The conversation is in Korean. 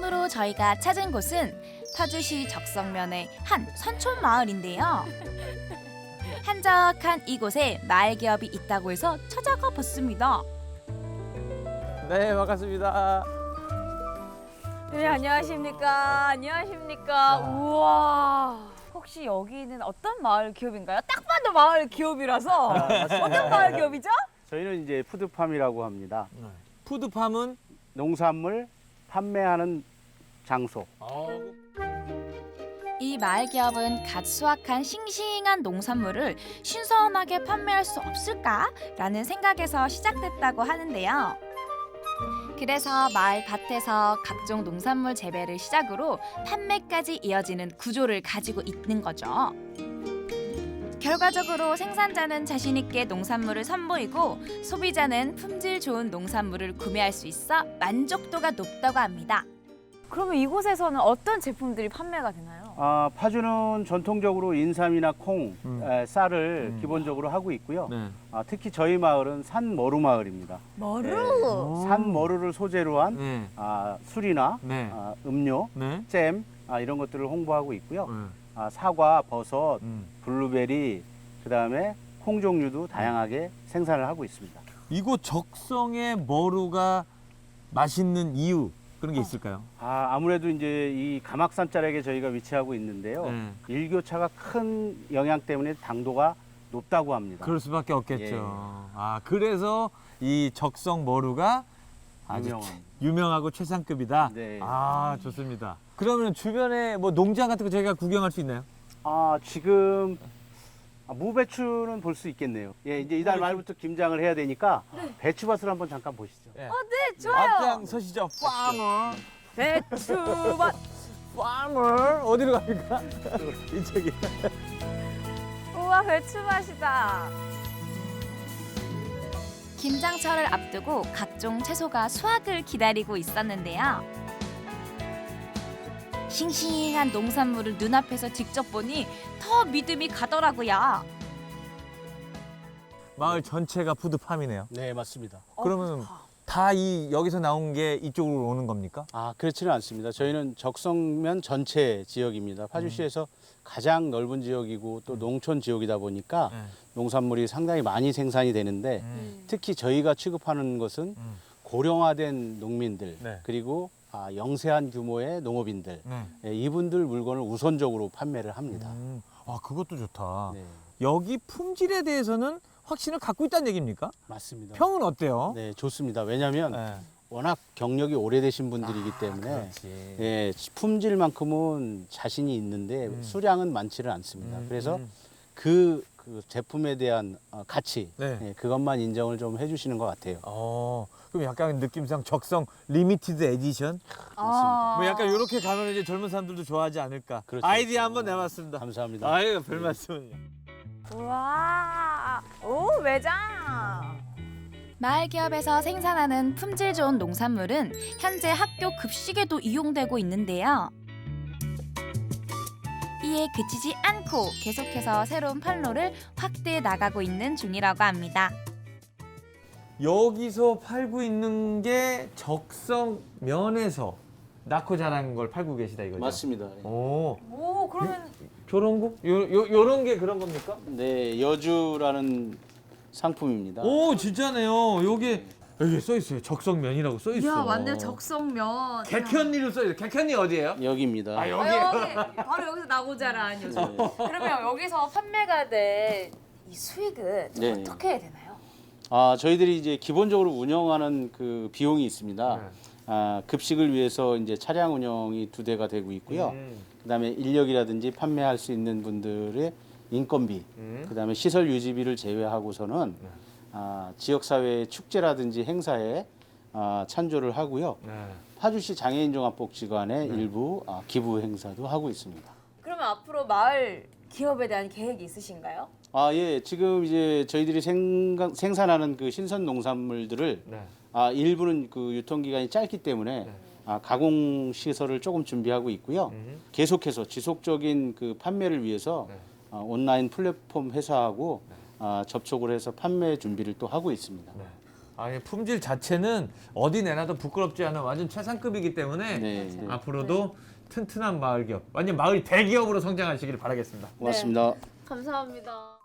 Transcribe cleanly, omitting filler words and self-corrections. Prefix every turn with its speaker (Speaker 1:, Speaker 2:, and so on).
Speaker 1: 처음으로 저희가 찾은 곳은 파주시 적성면의 한 산촌 마을인데요. 한적한 이곳에 마을 기업이 있다고 해서 찾아가 봤습니다.
Speaker 2: 네, 반갑습니다.
Speaker 3: 네, 안녕하십니까. 안녕하십니까. 우와. 혹시 여기는 어떤 마을 기업인가요? 딱 봐도 마을 기업이라서. 어떤 마을 기업이죠?
Speaker 4: 저희는 이제 푸드팜이라고 합니다.
Speaker 2: 푸드팜은
Speaker 4: 농산물 판매하는 장소.
Speaker 1: 이 마을 기업은 갓 수확한 싱싱한 농산물을 신선하게 판매할 수 없을까라는 생각에서 시작됐다고 하는데요. 그래서 마을 밭에서 각종 농산물 재배를 시작으로 판매까지 이어지는 구조를 가지고 있는 거죠. 결과적으로 생산자는 자신 있게 농산물을 선보이고 소비자는 품질 좋은 농산물을 구매할 수 있어 만족도가 높다고 합니다.
Speaker 3: 그러면 이곳에서는 어떤 제품들이 판매가 되나요?
Speaker 4: 파주는 전통적으로 인삼이나 콩, 쌀을 기본적으로 하고 있고요.
Speaker 2: 네.
Speaker 4: 특히 저희 마을은 산머루 마을입니다.
Speaker 3: 머루.
Speaker 4: 산머루를 소재로 한
Speaker 2: 네.
Speaker 4: 술이나
Speaker 2: 네.
Speaker 4: 음료,
Speaker 2: 네.
Speaker 4: 잼 이런 것들을 홍보하고 있고요.
Speaker 2: 네.
Speaker 4: 사과, 버섯,
Speaker 2: 음.
Speaker 4: 블루베리, 그다음에 콩 종류도 다양하게 생산을 하고 있습니다.
Speaker 2: 이곳 적성의 머루가 맛있는 이유 그런 게 있을까요?
Speaker 4: 아무래도 이제 이 가막산 자락에 저희가 위치하고 있는데요.
Speaker 2: 네.
Speaker 4: 일교차가 큰 영향 때문에 당도가 높다고 합니다.
Speaker 2: 그럴 수밖에 없겠죠.
Speaker 4: 예.
Speaker 2: 그래서 이 적성 머루가 아주
Speaker 4: 유명한.
Speaker 2: 유명하고 최상급이다.
Speaker 4: 네.
Speaker 2: 좋습니다. 그러면 주변에 뭐 농장 같은 거 저희가 구경할 수 있나요?
Speaker 4: 지금 무배추는 볼 수 있겠네요. 예, 이제 이달 말부터 김장을 해야 되니까 배추밭을 한번 잠깐 보시죠.
Speaker 2: 네.
Speaker 3: 네, 좋아요.
Speaker 2: 앞장 서시죠. 파머.
Speaker 3: 배추밭.
Speaker 2: 파머. 어디로 갑니까? 이쪽이.
Speaker 3: 우와, 배추밭이다.
Speaker 1: 김장철을 앞두고 각종 채소가 수확을 기다리고 있었는데요. 싱싱한 농산물을 눈앞에서 직접 보니 더 믿음이 가더라고요.
Speaker 2: 마을 전체가 푸드팜이네요.
Speaker 4: 네, 맞습니다.
Speaker 2: 그러면 다 여기서 나온 게 이쪽으로 오는 겁니까?
Speaker 4: 그렇지는 않습니다. 저희는 적성면 전체 지역입니다. 파주시에서 가장 넓은 지역이고 또 농촌 지역이다 보니까
Speaker 2: 네.
Speaker 4: 농산물이 상당히 많이 생산이 되는데 특히 저희가 취급하는 것은 고령화된 농민들
Speaker 2: 네.
Speaker 4: 그리고 영세한 규모의 농업인들
Speaker 2: 네.
Speaker 4: 이분들 물건을 우선적으로 판매를 합니다.
Speaker 2: 그것도 좋다.
Speaker 4: 네,
Speaker 2: 여기 품질에 대해서는 확신을 갖고 있다는 얘기입니까?
Speaker 4: 맞습니다.
Speaker 2: 평은 어때요?
Speaker 4: 네, 좋습니다. 왜냐하면
Speaker 2: 네.
Speaker 4: 워낙 경력이 오래되신 분들이기 때문에
Speaker 2: 그렇지.
Speaker 4: 예, 품질만큼은 자신이 있는데 수량은 많지는 않습니다. 그래서 그 제품에 대한 가치
Speaker 2: 네.
Speaker 4: 예, 그것만 인정을 좀 해주시는 것 같아요.
Speaker 2: 그럼 약간 느낌상 적성 리미티드 에디션?
Speaker 4: 맞습니다.
Speaker 2: 뭐 약간 이렇게 가면 이제 젊은 사람들도 좋아하지 않을까?
Speaker 4: 그렇죠.
Speaker 2: 아이디어 한번 내봤습니다.
Speaker 4: 감사합니다.
Speaker 2: 아유, 별 말씀은요.
Speaker 3: 우와. 오, 매장.
Speaker 1: 마을 기업에서 생산하는 품질 좋은 농산물은 현재 학교 급식에도 이용되고 있는데요. 이에 그치지 않고 계속해서 새로운 판로를 확대해 나가고 있는 중이라고 합니다.
Speaker 2: 여기서 팔고 있는 게 적성면에서 낳고 자란 걸 팔고 계시다 이거죠?
Speaker 4: 맞습니다.
Speaker 2: 오,
Speaker 3: 그러면
Speaker 2: 저런 거? 요런 게 그런 겁니까?
Speaker 4: 네, 여주라는 상품입니다.
Speaker 2: 오, 진짜네요. 여기 써 있어요. 적성면이라고 써 있어.
Speaker 3: 야, 맞네요. 적성면.
Speaker 2: 객현리로 써 있어요. 객현리 어디예요?
Speaker 4: 여기입니다.
Speaker 2: 여기.
Speaker 3: 여기 바로 여기서 나고 자란 요즘. 그러면 여기서 판매가 된 이 수익은
Speaker 4: 네.
Speaker 3: 어떻게 해야 되나요?
Speaker 4: 저희들이 이제 기본적으로 운영하는 그 비용이 있습니다. 급식을 위해서 이제 차량 운영이 2대가 되고 있고요. 그다음에 인력이라든지 판매할 수 있는 분들의 인건비, 그다음에 시설 유지비를 제외하고서는 지역사회 축제라든지 행사에 찬조를 하고요. 파주시 장애인종합복지관의 일부 기부 행사도 하고 있습니다.
Speaker 3: 그러면 앞으로 마을 기업에 대한 계획이 있으신가요?
Speaker 4: 예, 지금 이제 저희들이 생산하는 그 신선 농산물들을 일부는 그 유통기간이 짧기 때문에 가공 시설을 조금 준비하고 있고요. 계속해서 지속적인 그 판매를 위해서 온라인 플랫폼 회사하고 접촉을 해서 판매 준비를 또 하고 있습니다.
Speaker 2: 아니, 품질 자체는 어디 내놔도 부끄럽지 않은 완전 최상급이기 때문에
Speaker 4: 네.
Speaker 2: 앞으로도 튼튼한 마을 기업, 완전 마을 대기업으로 성장하시길 바라겠습니다.
Speaker 4: 고맙습니다.
Speaker 3: 감사합니다.